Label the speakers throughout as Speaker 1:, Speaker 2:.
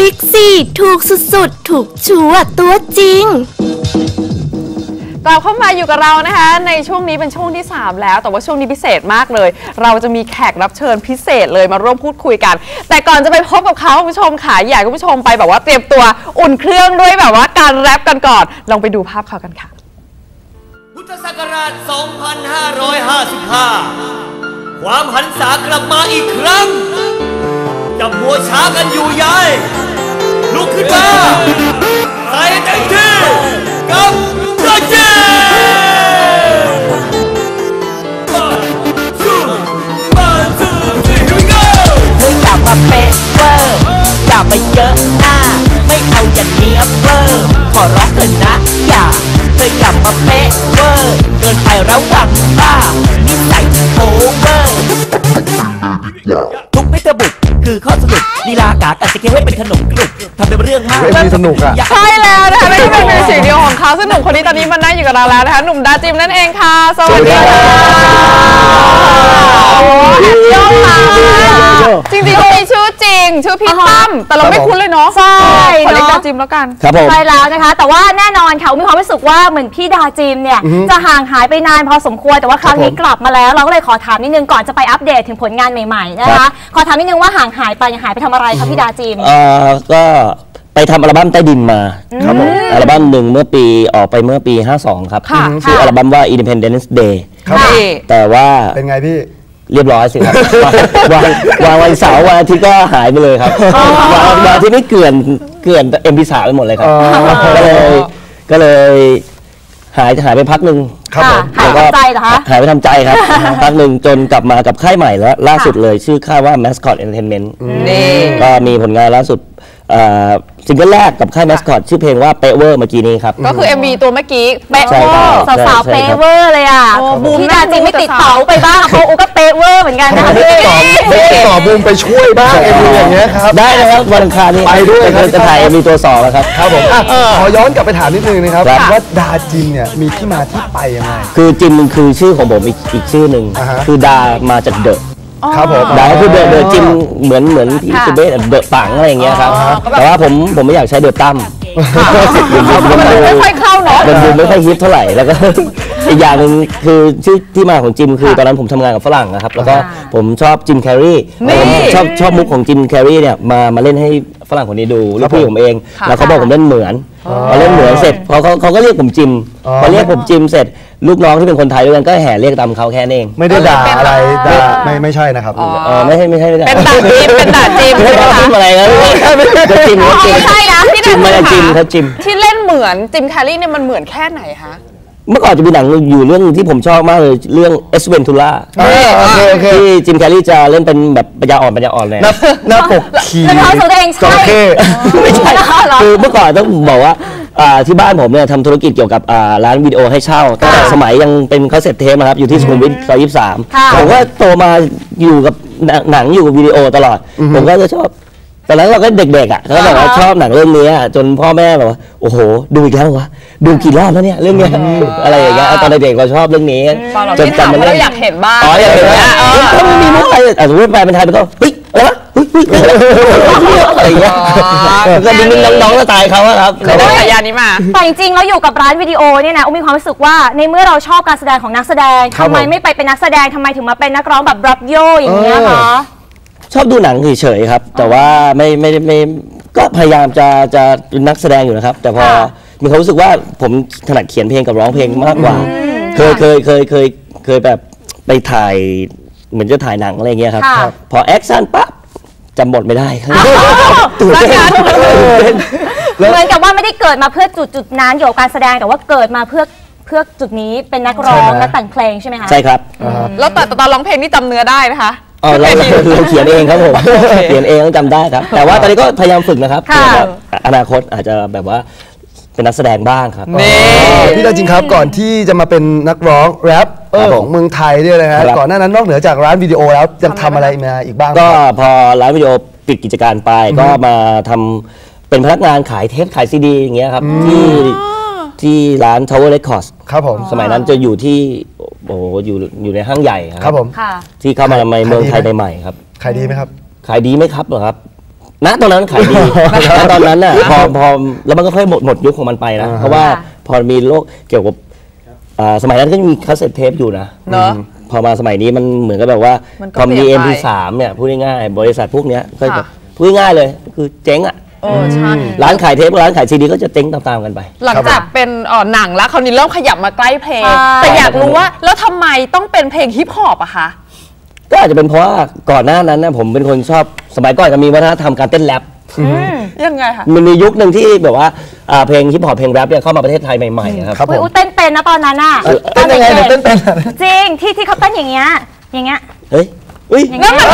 Speaker 1: บิ๊กซีถูกสุดๆถูกชัวร์ตัวจริง
Speaker 2: กลับเข้ามาอยู่กับเรานะคะในช่วงนี้เป็นช่วงที่3แล้วแต่ว่าช่วงนี้พิเศษมากเลยเราจะมีแขกรับเชิญพิเศษเลยมาร่วมพูดคุยกันแต่ก่อนจะไปพบกับเขาคุณผู้ชมค่ะอยากให้คุณผู้ชมไปแบบว่าเตรียมตัวอุ่นเครื่องด้วยแบบว่าการแรปกันก่อนลองไปดูภาพเขากันค่ะ
Speaker 3: พุทธศักราช 2555 ความหันษากลับมาอีกครั้งจะมัวช้ากันอยู่ยัยลุกขึ้นมาใส่เต็มที่กับเจ้าเจ้
Speaker 4: อย่ามาเป๊ะเวอร์อย่ามาเยอะหน้าไม่เอาอย่างนี้เวอร์ขอร้องเถอะนะอย่ามาเป๊ะเวอร์เกินไประวังบ้านิสัยโอเวอร์ทุกเมตาบุกคือข้อสรุปลีลากากันจะเก็บไว้เป็นขนมกรุบทำเป็นเรื่องมาก
Speaker 5: สนุกอ่ะ
Speaker 2: ใช่แล้วนะคะนี่เป็นมิวสิกวิดีโอของเขาซึ่งหนุ่มคนนี้ตอนนี้มานั่งอยู่กับเราแล้วนะคะหนุ่มดาจิมนั่นเองค่ะสวัสดีค่ะโยมค่ะจริงๆเขามีชื่อจริงชื่อพี่ตั้มแต่เราไม่คุ้นเลยเนาะ
Speaker 6: ใช่
Speaker 2: ขอเรียกดาจิมแล้วกัน
Speaker 5: ครับผม
Speaker 6: ใช่แล้วนะคะแต่ว่าแน่นอนค่ะมีความรู้สึกว่าเหมือนพี่ดาจิมเนี่ยจะห่างหายไปนานพอสมควรแต่ว่าครั้งนี้กลับมาแล้วเราก็เลยขอถามนิดนึงก่อนจะไปอัปเดตถึงผลงานใหม่ๆนะคะขอถามนิดนึงว่าห่างหายไปทำอะไรคะพี่ดาจิม
Speaker 5: ก็ไปทำอัลบั้มใต้ดินมาครับผมอัลบั้มหนึ่งออกไปเมื่อปี52ครับชื่ออัลบั้มว่า Independence Day แต่ว่า
Speaker 7: เป็นไงพี่
Speaker 5: เรียบร้อยสิครับวางวันเสาร์วันอาทิตย์ก็หายไปเลยครับวันอาทิตย์นี่เกลื่อนMP3 ไปหมดเลยครับก็เลยหายไปพักหนึ่ง
Speaker 6: ครับผมหายไปทำใจเหรอคะ
Speaker 5: หายไปทำใจครับพักหนึ่งจนกลับมากับค่ายใหม่แล้วล่าสุดเลยชื่อค่ายว่า Mascot Entertainment ก็มีผลงานล่าสุดซิงเกิลแรกกับค่าย Mascot ชื่อเพลงว่าเปเวอร์เมื่อกี้นี้ครับ
Speaker 2: ก็คือ MV ตัวเมื่อกี้เปเวอร์
Speaker 6: สาวเปเวอร์เลยอ่ะพี่ดาจิมไม่ติดเต๋าไปบ้างเขาก็เปเวอร์เหมือนกันนะคะ
Speaker 7: ต่อบูมไปช่วยบ้างอย่างเงี้ยครับ
Speaker 5: ได้นะครับวันอังคารนี้
Speaker 7: ไปด้วย
Speaker 5: จะถ่ายมีตัว2แล้วครับ
Speaker 7: ครับผมขอย้อนกลับไปถามนิดนึงนะครับว่าดาจิมเนี่ยมีที่มาที่ไปยังไง
Speaker 5: คือจิมคือชื่อของผมอีกชื่อหนึ่งคือดามาจากเดอะ
Speaker 7: ครับผม
Speaker 5: ดาคือเดอะจิมเหมือนที่เบสเดอะปังอะไรอย่างเงี้ยครับแต่ว่าผมไม่อยากใช้เดอะตั้ม
Speaker 2: ไม่ค่อยเข้าเนาะ
Speaker 5: มันดูไม่ค่อยฮิตเท่าไหร่แล้วก็อีกอย่างหนึ่งคือชื่อที่มาของจิมคือตอนนั้นผมทำงานกับฝรั่งนะครับแล้วก็ผมชอบจิมแคร์รีชอบมุกของจิมแคร์รีเนี่ยมาเล่นให้ฝรั่งคนนี้ดูลูกพี่ผมเองแล้วเขาบอกผมเล่นเหมือนพอเล่นเหมือนเสร็จเขาก็เรียกผมจิมพอเรียกผมจิมเสร็จลูกน้องที่เป็นคนไทยด้วยกันก็แห่เรียกตามเขาแค่นั้นเอง
Speaker 7: ไม่ได้ด่าอะไรไม่ใช่นะครับ
Speaker 5: ไม่ใช่
Speaker 2: เป็นด่าจิม
Speaker 5: ไม่ได้จิมอะไรนะจะจิม
Speaker 2: ใช่นะที่
Speaker 5: จิมไม่จิมครับจิม
Speaker 2: ที่เล่นเหมือนจิมแคร์รีเนี่ยมันเหมือนแค่ไหนคะ
Speaker 5: เมื่อก่อนจะมีหนังอยู่เรื่องที่ผมชอบมากเลยเรื่องเอสเวนทูล่าที่จิมแคร์รีจะเล่นเป็นแบบปัญญาอ่อนเลย
Speaker 7: หน้าปกขี่
Speaker 6: จระเข้
Speaker 5: ไม่ใช่คือเมื่อก่อนต้องบอกว่าที่บ้านผมเนี่ยทำธุรกิจเกี่ยวกับร้านวิดีโอให้เช่าตั้งแต่สมัยยังเป็นคาสเซ็ตเทปนะครับอยู่ที่สุขุมวิท23ผมก็โตมาอยู่กับหนังอยู่กับวิดีโอตลอดผมก็จะชอบตอนนั้นเราก็เด็กๆเขาแบบว่าชอบหนังเรื่องนี้จนพ่อแม่แบบว่าโอ้โหดูอีกแล้ววะดูกี่รอบแล้วเนี่ยเรื่องนี้อะไรอย่างเงี้ยตอนเด็กๆเราชอบเรื่องนี้
Speaker 2: จนจำมันเราอยากเห็นบ้าง
Speaker 5: อยากเห็นถ้าไม่มีมุกอะไรสมมติแปลเป็นไทยมันก็เฮ้ยอะไรวะอะไรอย่างเงี้ยก็ดิ้งน้องๆก็ตายเขาครับ
Speaker 2: เขาได้ฉายานี้มา
Speaker 6: แต่จริงๆเราอยู่กับร้านวิดีโอเนี่ยนะมีความรู้สึกว่าในเมื่อเราชอบการแสดงของนักแสดงทำไมไม่ไปเป็นนักแสดงทำไมถึงมาเป็นนักร้องแบบรับโยอย่างเงี้ยคะ
Speaker 5: ชอบดูหนังเฉยๆครับแต่ว่าไม่ก็พยายามจะเป็นนักแสดงอยู่นะครับแต่พอมีความรู้สึกว่าผมถนัดเขียนเพลงกับร้องเพลงมากกว่าเคยแบบไปถ่ายเหมือนจะถ่ายหนังอะไรเงี้ยครับพอแอคชั่นปั๊บจำบทไม่ได้ครับ
Speaker 6: เหมือนกับว่าไม่ได้เกิดมาเพื่อจุดนั้นอยู่กับการแสดงแต่ว่าเกิดมาเพื่อจุดนี้เป็นนักร้องและแต่งเพลงใช่ไหมคะ
Speaker 5: ใช่ครับ
Speaker 2: แล้วแต่ตอนร้องเพลงนี่จำเนื้อได้นะคะ
Speaker 5: เราเขียนเองครับผมเขียนเองต้องจำได้ครับแต่ว่าตอนนี้ก็พยายามฝึกนะครับอนาคตอาจจะแบบว่าเป็นนักแสดงบ้างครับ
Speaker 7: พี่ดาจิมครับก่อนที่จะมาเป็นนักร้องแรปของเมืองไทยด้วยนะฮะก่อนหน้านั้นนอกเหนือจากร้านวิดีโอแล้วยังทำอะไรมาอีกบ้าง
Speaker 5: ก็พอร้านวิดีโอปิดกิจการไปก็มาทำเป็นพนักงานขายเทปขายซีดีอย่างเงี้ยครับที่ร้าน Tower Records
Speaker 7: ครับผม
Speaker 5: สมัยนั้นจะอยู่ที่อยู่ในห้างใหญ่ครับ
Speaker 7: ผม
Speaker 5: ที่เข้ามาในเมืองไทยใหม่ๆครับ
Speaker 7: ขายดีไหมครับ
Speaker 5: ขายดีไหมครับเหรอครับณตอนนั้นขายดีณตอนนั้นน่ะพอแล้วมันก็ค่อยหมดยุคของมันไปนะเพราะว่าพอมีโลกเกี่ยวกับสมัยนั้นก็มีคาสเซ็ตเทปอยู่นะ
Speaker 2: เนอะ
Speaker 5: พอมาสมัยนี้มันเหมือนกับแบบว่า
Speaker 2: มันก็
Speaker 5: พอมี
Speaker 2: เปลี่ยนไป
Speaker 5: MP3 เนี่ยพูดง่ายๆบริษัทพวกเนี้ยก็แบบพูดง่ายๆเลยคือเจ๊งอ่ะ
Speaker 2: ใช่
Speaker 5: ร้านขายเทปร้านขายซีดีก็จะเจ๊งตามๆกันไป
Speaker 2: หลังจากเป็นหนังแล้วคราวนี้เริ่มขยับมาใกล้เพลง แต่อยากรู้ว่าแล้วทำไมต้องเป็นเพลงฮิปฮอปอะคะ
Speaker 5: ก็อาจจะเป็นเพราะว่าก่อนหน้านั้นนะผมเป็นคนชอบสมัยก่อนจะมีวัฒนธรรมการเต้นแรป
Speaker 2: ยังไงคะ
Speaker 5: มันมียุคหนึ่งที่แบบว่าเพลงฮิปฮอปเพลงแรปเนี่ยเข้ามาประเทศไทยใหม่ๆครับ
Speaker 6: ผมเต้นเป็นนะตอนนั้นอะ
Speaker 7: เต้นยังไงเต้นเป็น
Speaker 6: จริงที่เขาเต้นอย่างเงี้ย
Speaker 5: เฮ้ย
Speaker 2: นั่นมัน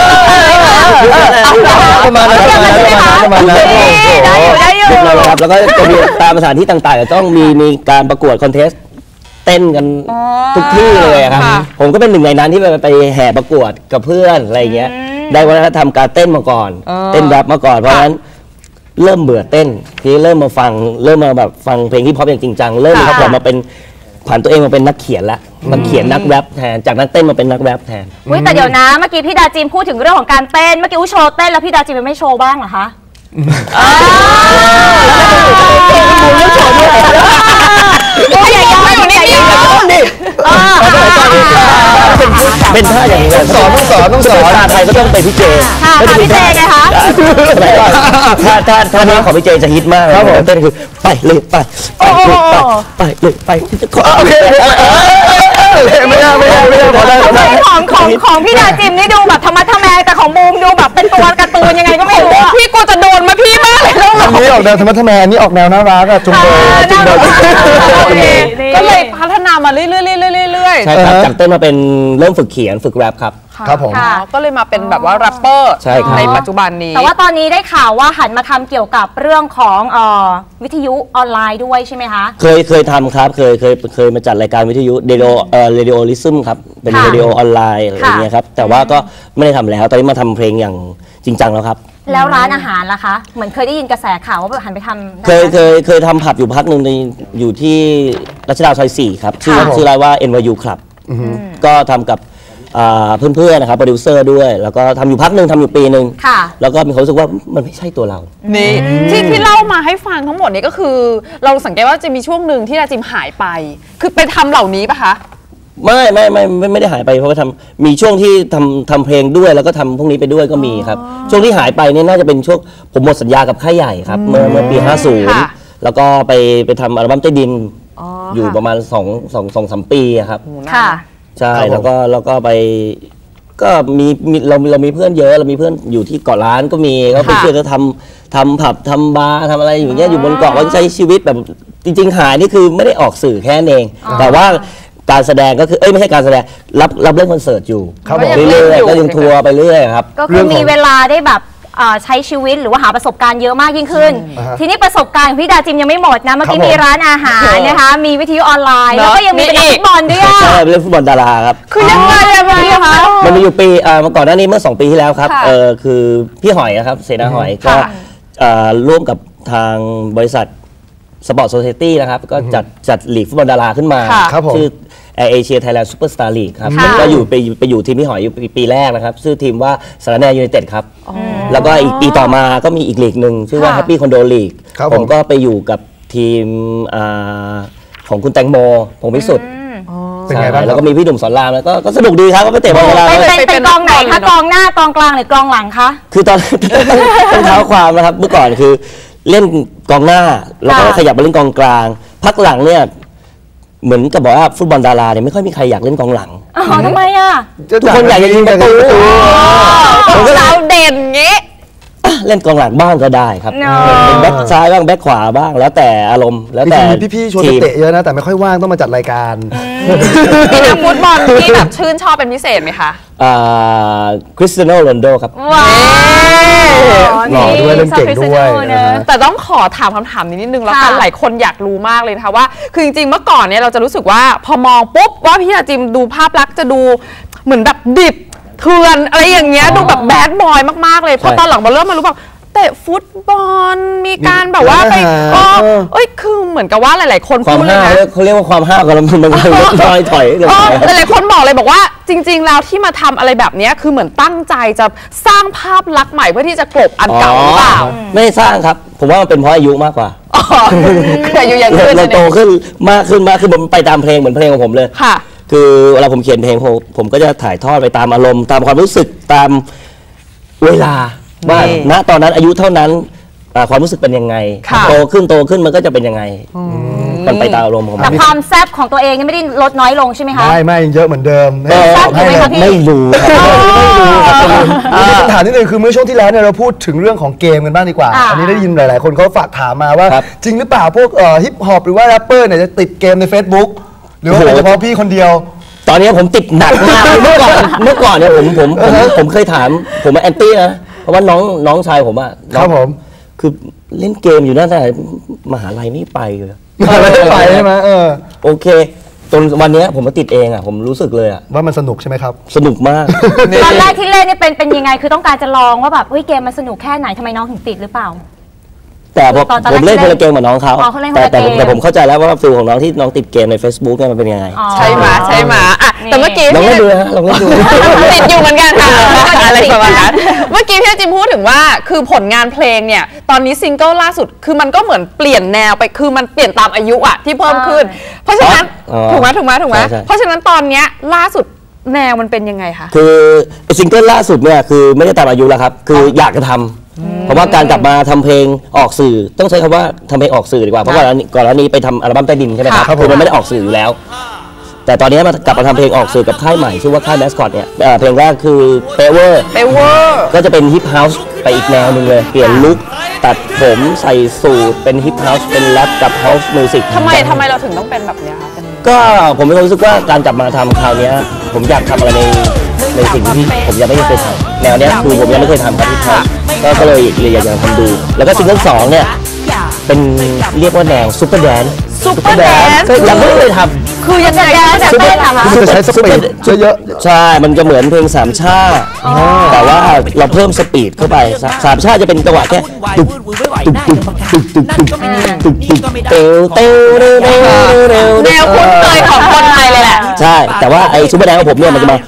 Speaker 5: ประมาณนั้น
Speaker 6: ได้อยู่
Speaker 5: ครับแล้วก็จะมีตามสถานที่ต่างๆจะต้องมีการประกวดคอนเทสต์เต้นกันทุกที่เลยครับผมก็เป็นหนึ่งในนั้นที่ไปแห่ประกวดกับเพื่อนอะไรเงี้ยได้วัฒนธรรมการเต้นมาก่อนเต้นแรปมาก่อนเพราะฉะนั้นเริ่มเบื่อเต้นที่เริ่มมาแบบฟังเพลงฮิปฮอปอย่างจริงจังเริ่มครับผมมาเป็นผ่านตัวเองมาเป็นนักเขียนละมาเขียนนักแรปแทนจากนักเต้นมาเป็นนักแรปแทน
Speaker 6: แต่เดี๋ยวนะเมื่อกี้พี่ดาจิมพูดถึงเรื่องของการเต้นเมื่อกี้โชว์เต้นแล้วพี่ดาจิมไม่โชว์บ้างเหรอคะ
Speaker 5: เป็นท่าอย่างนี้
Speaker 7: ต้องสอน
Speaker 5: ท่าไทยก็ต้องไปพี่เจ
Speaker 6: พี่เจไงคะ
Speaker 5: ท่านี้ของพี่เจจะฮิตมากครับผมเต้นคือไปเลยไปเลยไป
Speaker 7: ไม่ได้พอได้
Speaker 6: ของพี่ดาจิมนี่ดูแบบธรรมะทแมงแต่ของบูมดูแบบเป็นตัวการ์ตูนยังไงก็ไม่รู้
Speaker 2: พี่กูจะโดนมาพี่มากเลย
Speaker 7: อันนี้ออกแนวธรรมะทแมงนี่ออกแนวน่ารักอะจุงเบย
Speaker 2: ก็เลยพัฒนามาเรื่อย
Speaker 5: ใช่ครับจากเต้นมาเป็นเริ่มฝึกเขียนฝึกแรปครับ
Speaker 7: ผม
Speaker 2: ก็เลยมาเป็นแบบว่าแรปเปอร์ในปัจจุบันนี้
Speaker 6: แต่ว่าตอนนี้ได้ข่าวว่าหันมาทำเกี่ยวกับเรื่องของวิทยุออนไลน์ด้วยใช่ไหมคะ
Speaker 5: เคยทำครับเคยมาจัดรายการวิทยุเรดิโอลิซึมครับเป็นเรดิโอออนไลน์อะไรอย่างเงี้ยครับแต่ว่าก็ไม่ได้ทำแล้วตอนนี้มาทำเพลงอย่างจริงจังแล้วครับ
Speaker 6: แล้วร้านอาหารล่ะคะเหมือนเคยได้ยินกระแสข่าวว่าหันไปทำ
Speaker 5: เคยทำผับอยู่พักหนึ่งอยู่ที่รัชดาซอย 4ครับชื่อร้านว่า NYU Club ก็ทำกับเพื่อนๆนะครับโปรดิวเซอร์ด้วยแล้วก็ทำอยู่พักหนึ่งทำอยู่ปีหนึ่งแล้วก็มีความรู้สึกว่ามันไม่ใช่ตัวเรา
Speaker 2: นี่ที่เล่ามาให้ฟังทั้งหมดนี้ก็คือเราสังเกตว่าจะมีช่วงหนึ่งที่ดาจิมหายไปคือไปทำเหล่านี้ปะคะ
Speaker 5: ไม่ได้หายไปเพราะว่ามีช่วงที่ทำเพลงด้วยแล้วก็ทำพวกนี้ไปด้วยก็มีครับช่วงที่หายไปเนี่ยน่าจะเป็นช่วงผมหมดสัญญากับค่ายใหญ่ครับเมื่อปี50แล้วก็ไปทำอัลบั้มใต้ดินอยู่ประมาณ2-3 ปีครับใช่แล้วก็ไปก็เรามีเพื่อนเยอะเรามีเพื่อนอยู่ที่เกาะล้านก็มีก็ไปช่วยเขาทำผับทำบาร์ทำอะไรอย่างเงี้ยอยู่บนเกาะก็ใช้ชีวิตแบบจริงๆหายนี่คือไม่ได้ออกสื่อแค่นั้นเองแต่ว่าการแสดงก็คือไม่ใช่การแสดงรับเล่นคอนเสิร์ตอยู่เรื่อยๆก็ยังทัวร์ไปเรื่อยครับ
Speaker 6: ก็คือมีเวลาได้แบบใช้ชีวิตหรือว่าหาประสบการณ์เยอะมากยิ่งขึ้นทีนี้ประสบการณ์ของพี่ดาจิมยังไม่หมดนะเมื่อกี้มีร้านอาหารนะคะมีวิทยุออนไลน์แล้วก็ยังมีเป็นนักฟุตบอลด้วย
Speaker 5: ใช่เล่นฟุตบอลดาราครับ
Speaker 2: คือยังไงคะ
Speaker 5: มันมีอยู่ปีเมื่อก่อนหน้านี้เมื่อ2 ปีที่แล้วครับคือพี่หอยนะครับเสนาหอยก็ร่วมกับทางบริษัทสปอร์ตโซเซตี้นะครับก็จัดลีกฟุตบอลดาราขึ้นมาชื่อเอเชียไทยแลนด์ซูเปอร์สตาร์ลีกครับก็ไปอยู่ทีมพี่หอยอยู่ปีแรกนะครับชื่อทีมว่าสารแนยูไนเต็ดครับแล้วก็อีกปีต่อมาก็มีอีกลีกหนึ่งชื่อว่าแฮปปี้คอนโดลีกผมก็ไปอยู่กับทีมของคุณแตงโมพงษ์พิสุทธิ์
Speaker 7: เป็นไงบ้าง
Speaker 5: แล้วก็มีพี่หนุ่มสอนรามแล้วก็สนุกดีครับก็ไปเตะบอลกัน
Speaker 6: เป็นกองไหนคะกองหน้ากองกลางหรือกองหลังคะ
Speaker 5: คือตอนเท้าความนะครับเมื่อก่อนคือเล่นกองหน้าแล้วก็ขยับมาเล่นกองกลางพักหลังเนี่ยเหมือนกับบอกว่าฟุตบอลดาราเนี่ยไม่ค่อยมีใครอยากเล่นกองหลัง
Speaker 6: ทำไมอ่ะ
Speaker 5: ทุกคนอยากจะยิงประตู
Speaker 2: เราเด่นงี้
Speaker 5: เล่นกองหลังบ้างก็ได้ครับเป็นแบ็คซ้ายบ้างแบ็คขวาบ้างแล้วแต่อารมณ์แล้วแต่
Speaker 7: พี่ชวนไปเตะเยอะนะแต่ไม่ค่อยว่างต้องมาจัดรายการ
Speaker 2: มีนักฟุตบอลที่แบบชื่นชอบเป็นพิเศษไหมคะ
Speaker 5: คริสเตียโนโรนัลโดครับ
Speaker 7: หล่อด้วยเล่นเก่งด้วย
Speaker 2: แต่ต้องขอถามคำถามนิดนึงแล้วกันหลายคนอยากรู้มากเลยนะคะว่าคือจริงๆเมื่อก่อนเนี่ยเราจะรู้สึกว่าพอมองปุ๊บว่าพี่ดาจิมดูภาพลักษณ์จะดูเหมือนแบบดิบเถื่อนอะไรอย่างเงี้ยดูแบบแบดบอยมากๆเลยพอตอนหลังมาเริ่มมารู้แบบเตะฟุตบอลมีการแบบว่าไปคือเหมือนกับว่าหลายๆคน
Speaker 5: ความ
Speaker 2: พูดเลย
Speaker 5: ห้าว
Speaker 2: นะ
Speaker 5: เขาเรียกว่าความห้าวกันแล้วมันลอยถอยกัน
Speaker 2: หลายๆคนบอกเลยบอกว่าจริงๆแล้วที่มาทำอะไรแบบนี้คือเหมือนตั้งใจจะสร้างภาพลักษณ์ใหม่เพื่อที่จะกลบอันเก่าหรือเปล่า
Speaker 5: ไม่ได้สร้างครับผมว่ามันเป็นเพราะอายุมากกว่า
Speaker 2: อายุยังขึ้น
Speaker 5: เราโตขึ้นมากขึ้นผมไปตามเพลงเหมือนเพลงของผมเลย
Speaker 2: ค่ะ
Speaker 5: คือเวลาผมเขียนเพลงผมก็จะถ่ายทอดไปตามอารมณ์ตามความรู้สึกตามเวลาว่าณตอนนั้นอายุเท่านั้นความรู้สึกเป็นยังไงโตขึ้นมันก็จะเป็นยังไงมันไปตามอารมณ์ของมัน
Speaker 6: แต่ความแซ่บของตัวเองนี่ไม่ได้ลดน้อยลงใช่ไหมคะ
Speaker 7: ไม่ยังเยอะเหมือนเดิม
Speaker 6: แซ่บอยู่ไหมคะพี่
Speaker 5: ไม่รู้
Speaker 7: คำถามนิดนึงคือเมื่อช่วงที่แล้วเนี่ยเราพูดถึงเรื่องของเกมกันบ้างดีกว่าอันนี้ได้ยินหลายๆคนเขาฝากถามมาว่าจริงหรือเปล่าพวกฮิปฮอปหรือว่าแรปเปอร์เนี่ยจะติดเกมใน Facebook หรือว่าเป็นเฉพาะพี่คนเดียว
Speaker 5: ตอนนี้ผมติดหนักมากเมื่อก่อนเนี่ยผมเคยถามผมแอนตี้นะเพราะว่าน้องชายผมอะ
Speaker 7: ครับผม
Speaker 5: คือเล่นเกมอยู่นั่นแต่มหาลัยไม่ไปเลย
Speaker 7: ไม่ไปใช่ไหม
Speaker 5: โอเคจนวันนี้ผมมาติดเองอะผมรู้สึกเลยอะ
Speaker 7: ว่ามันสนุกใช่ไหมครับ
Speaker 5: สนุกมาก
Speaker 6: ตอนแรกที่เล่นเนี่ยเป็นยังไงคือต้องการจะลองว่าแบบเกมมันสนุกแค่ไหนทำไมน้องถึงติดหรือเปล่า
Speaker 5: แต่ผมเล่นคนละเกมกับน้องเขาแต่ผมเข้าใจแล้วว่าฟิลของน้องที่น้องติดเกมใน Facebook เนี่ยมันเป็นยังไง
Speaker 2: ใช่ไหมแต่เมื่อกี้
Speaker 5: ลองเล่นดูนะลองเล่นดู
Speaker 2: ติดอยู่เหมือนกันค่ะอะไรประมาณนั้นเมื่อกี้พี่จิมพูดถึงว่าคือผลงานเพลงเนี่ยตอนนี้ซิงเกิลล่าสุดคือมันก็เหมือนเปลี่ยนแนวไปคือมันเปลี่ยนตามอายุอะที่เพิ่มขึ้นเพราะฉะนั้นถูกไหมเพราะฉะนั้นตอนเนี้ยล่าสุดแนวมันเป็นยังไงคะ
Speaker 5: คือซิงเกิลล่าสุดเนี่ยคือไม่ได้ตามอายุแล้วครับคืออยากจะทำเพราะว่าการกลับมาทำเพลงออกสื่อต้องใช้คำว่าทำเพลงออกสื่อดีกว่าเพราะว่าก่อนหน้านี้ไปทำอัลบั้มใต้ดินใช่ไหมครับคือมันไม่ได้ออกสื่ออยู่แล้วแต่ตอนนี้กลับมาทำเพลงออกสื่อกับค่ายใหม่ชื่อว่าค่ายแมสคอตเนี่ยเพลงแรกคือเปเวอร์ก็จะเป็นฮิปเฮาส์ไปอีกแนวหนึ่งเลยเปลี่ยนลุคตัดผมใส่สูทเป็นฮิปเฮาส์เป็นแรปกับเฮาส์มิวสิก
Speaker 2: ทำไมเราถึงต้องเป็นแบบนี้คะ
Speaker 5: ก็ผมมีความรู้สึกว่าการกลับมาทำคราวนี้ผมอยากทำอะไรในสิ่งที่ผมยังไม่เคยทำแนวนี้คือผมยังไม่เคยทำครับที่ทำก็เลยอยากจะทำดูแล้วก็ซิงเกิล2เนี่ยเป็นเรียกว่าแนวซุปเปอร์แดนซ์ยังไม่เคยทำ
Speaker 2: คือยังไง
Speaker 6: จะเต้นอะ
Speaker 7: คือจะใช้สปีดเยอะ
Speaker 5: ใช่มันจะเหมือนเพลงสามชาแต่ว่าเราเพิ่มสปีดเข้าไปสามชาจะเป็นจังหวะแค่ตุ๊บตุ๊บตุ๊บตุ๊บตุ๊บตุ๊บตุ๊บตุ๊บเตวเตวเร็วเร็ว
Speaker 2: แนวคุ้นเคยของคนไทยเลยแหละ
Speaker 5: ใช่แต่ว่าไอ้ซุปเปอร์แดนซ์ของผมเนี่ยมันจะมา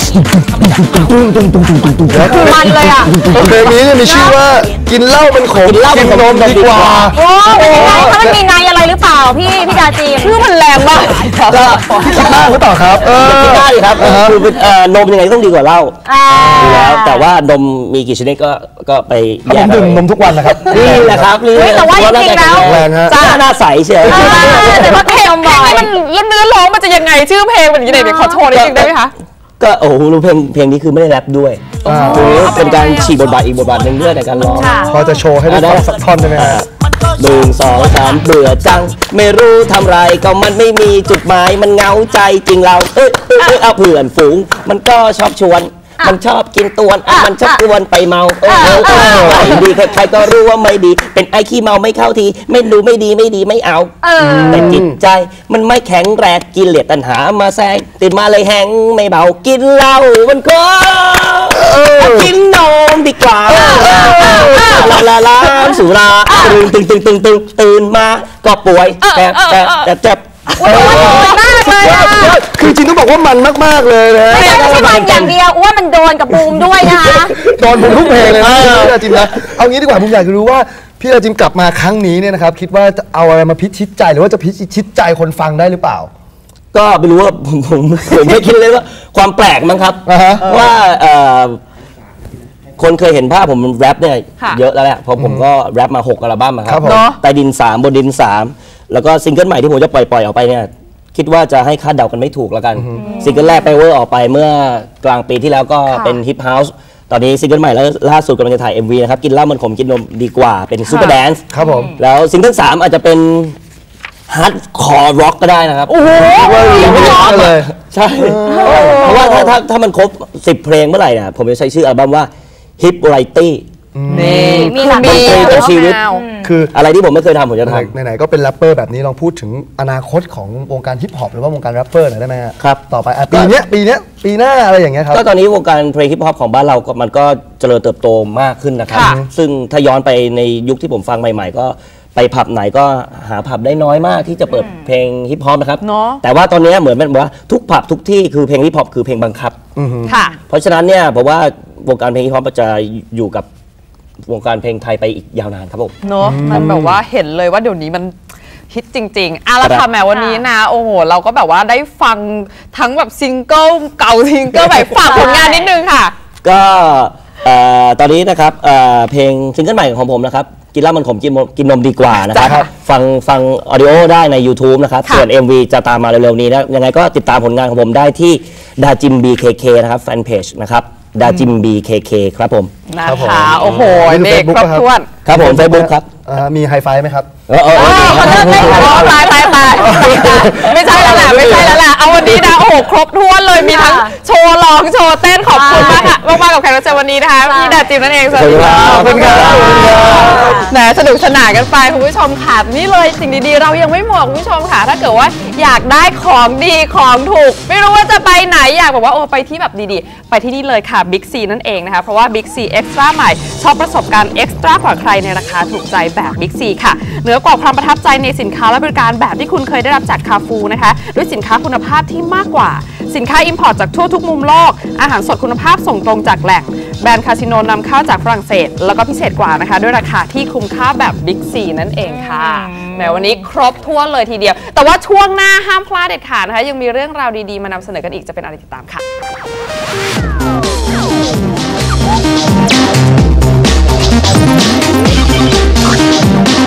Speaker 6: มันเลยอ่ะ
Speaker 7: เพลงนี้มีชื่อว่ากินเหล้าเป็นขมกินนมดีกว่า
Speaker 6: โอ้เป็นยังไงถ้ามันมีในอะไรหรือเปล่าพี่ดาจี
Speaker 2: ชื่อมันแรงมาก
Speaker 7: คิดมากหรือเปล่าครับ
Speaker 5: คิดได้ครับคือนมยังไงต้องดีกว่าเหล้าแล้วแต่ว่านมมีกี่ชนิดก็ไป
Speaker 7: แยกดื่มนมทุกวันนะครับ
Speaker 5: นี่แหละครับนี่
Speaker 6: แต่ว่าจริงๆแล้ว
Speaker 5: จ้าหน้าใสเชียว
Speaker 6: แต่ว่าเพลง
Speaker 2: มันเนื้อร้องมันจะยังไงชื่อเพลงมันยังไงขอโชว์นิดนึงได้ไหมคะ
Speaker 5: ก็โอ้โหเพลงนี้คือไม่ได้แรปด้วยเป็นการฉีกบทบาทอีกบทบาทหนึ่งด้วยในการร้อง
Speaker 7: พอจะโชว์ให้ได้สักท่อนได้ไหมครับ
Speaker 5: 1 2 3เบื่อจังไม่รู้ทำไรก็มันไม่มีจุดหมายมันเหงาใจจริงเราเอาเพื่อนฝูงมันก็ชอบชวนมันชอบกินตวนมันชอบกวนไปเมาไม่ดีใครๆก็รู้ว่าไม่ดีเป็นไอ้ขี้เมาไม่เข้าทีไม่รู้ไม่ดีไม่เอาแต่จิตใจมันไม่แข็งแรงกินเหลียดตัณหามาแซงติดมาเลยแห้งไม่เบากินเหล้ามันก็กินนมดีกว่าลาสุราตื่นมาก็ป่วยแต่เจ็บ
Speaker 7: คือจริงต้องบอกว่ามันมากๆเลยนะ
Speaker 6: ไม่ใช่มันอย่างเดียวว่ามันโดนกับบูมด้วยนะคะ
Speaker 7: โดนผมทุกเพลงเลยนะพี่ดาจิมนะเอางี้ดีกว่าผมอยากจะรู้ว่าพี่ดาจิมกลับมาครั้งนี้เนี่ยนะครับคิดว่าจะเอาอะไรมาพิชิตใจหรือว่าจะพิชิตใจคนฟังได้หรือเปล่า
Speaker 5: ก็ไม่รู้ว่าผมไม่คิดเลยว่าความแปลกมั้งครับว่าคนเคยเห็นภาพผมแรปเนี่ยเยอะแล้วแหละเพราะผมก็แรปมา6 อัลบั้มครับใต้ดิน3บนดิน3แล้วก็ซิงเกิลใหม่ที่ผมจะปล่อยออกไปเนี่ยคิดว่าจะให้คาดเดากันไม่ถูกแล้วกันซิงเกิลแรกไปเวอร์ออกไปเมื่อกลางปีที่แล้วก็เป็นฮิปเฮาส์ตอนนี้ซิงเกิลใหม่แล้วล่าสุดกำลังจะถ่าย MV นะครับกินเหล้ามันขมกินนมดีกว่าเป็นซูเปอร์แดนซ์
Speaker 7: ครับผม
Speaker 5: แล้วซิงเกิล3อาจจะเป็นฮาร์ดคอร์ร็อกก็ได้นะครับ
Speaker 7: โอ้โห
Speaker 5: เลยใช่เพราะว่าถ้ามันครบ10 เพลงเมื่อไหร่เนี่ยผมจะใช้ชื่ออัลบั้มว่า Hip Variety
Speaker 6: มีหลากหลาย
Speaker 5: เป็นชีวิต
Speaker 7: คือ
Speaker 5: อะไรที่ผมไม่เคยทำผมจะท
Speaker 7: ไหนๆก็เป็นแรปเปอร์แบบนี้ลองพูดถึงอนาคตของวงการฮิปฮอปหรือว่าวงการแรปเปอร์หน่อยได้ไหมฮะ
Speaker 5: ครับ
Speaker 7: ต่อไปปีเนี้ยปีหน้าอะไรอย่างเงี้ยครับ
Speaker 5: ำก็ตอนนี้วงการเพลงฮิปฮอปของบ้านเราก็มันก็เจริญเติบโตมากขึ้นนะครับ
Speaker 2: ค่ะ
Speaker 5: ซึ่งถ้าย้อนไปในยุคที่ผมฟังใหม่ ๆ ก็ไปผับไหนก็หาผับได้น้อยมากที่จะเปิดเพลงฮิปฮอปนะครับ
Speaker 2: เนอะ
Speaker 5: แต่ว่าตอนนี้เหมือนเป็นว่าทุกผับทุกที่คือเพลงฮิปฮอปคือเพลงบังคับ
Speaker 2: ค่ะ
Speaker 5: เพราะฉะนั้นเนี่ยผมว่าวงการเพลงฮิปฮอปจะอยู่กับวงการเพลงไทยไปอีกยาวนานครับผม
Speaker 2: เนอะมันแบบว่าเห็นเลยว่าเดี๋ยวนี้มันฮิตจริงๆอ่ะแล้ว
Speaker 5: ครั
Speaker 2: ค่ะ
Speaker 5: บ
Speaker 2: แหมวันนี้นะ โอ้โห เราก็แบบว่าได้ฟังทั้งแบบซิงเกิลเก่าซิงเกิลใหม่ฝากผลงานนิดนึงค่ะ
Speaker 5: ก็ตอนนี้นะครับเพลงซิงเกิลใหม่ของผมนะครับกินเหล้ามันขมกินนมดีกว่านะครับ
Speaker 2: ครับ
Speaker 5: ฟังออดิโอได้ใน YouTube นะครับ
Speaker 2: ค่ะ
Speaker 5: ส่วน MV จะตามมาเร็วๆนี้นะยังไงก็ติดตามผลงานของผมได้ที่ดาจิม BKK นะครับแฟนเพจนะครับดาจิม BKK ครับผม
Speaker 7: ครับผม
Speaker 2: นะคะโอ้โห
Speaker 7: นี่คือ
Speaker 2: เด็ก
Speaker 7: Facebook
Speaker 2: ครบถ้วน
Speaker 5: ครับผม Facebook ครับ
Speaker 7: มีไฮไฟไหมครับ
Speaker 2: เขาเลิกเล่นแล้วตายไม่ใช่แล้วแหละไม่ใช่แล้วแหละเอาวันนี้นะโอ้โหครบถ้วนเลยมีทั้งโชว์ร้องโชว์เต้นขอบคุณมากค่ะมากๆกับแขกรับเชิญวันนี้นะคะพี่ดาจิมนั่นเองสวัสดีค่ะ
Speaker 5: ขอบคุณครับ
Speaker 2: แหมสนุกสนานกันไปคุณผู้ชมค่ะนี่เลยสิ่งดีๆเรายังไม่หมดคุณผู้ชมค่ะถ้าเกิดว่าอยากได้ของดีของถูก ไม่รู้ว่าจะไปไหนอยากบอกว่าโอ้ไปที่แบบดีๆไปที่นี่เลยค่ะบิ๊กซีนั่นเองนะคะเพราะว่าบิ๊กซีเอ็กซ์ตร้าใหม่ชอบประสบการณ์เอ็กซ์ตร้ากว่าใครในราคาถูกใจแบบบิ๊กซีค่ะเหนือกว่าความประทับใจในสินค้าและบริการแบบที่คุณเคยได้รับจากคาฟูนะคะด้วยสินค้าคุณภาพที่มากกว่าสินค้าอิมพอร์ตจากทั่วทุกมุมโลกอาหารสดคุณภาพส่งตรงจากแหล่งแบรนด์คาสิโนนำเข้าจากฝรั่งเศสแล้วก็พิเศษกว่านะคะด้วยราคาที่คุ้มค่าแบบบิ๊กซีนั่นเองค่ะแหมวันนี้ครบถ้วนเลยทีเดียวแต่ว่าช่วงหน้าห้ามพลาดเด็ดขาดนะคะยังมีเรื่องราวดีๆมานำเสนอกันอีกจะเป็นอะไรติดตามค่ะ
Speaker 8: We'll be right back.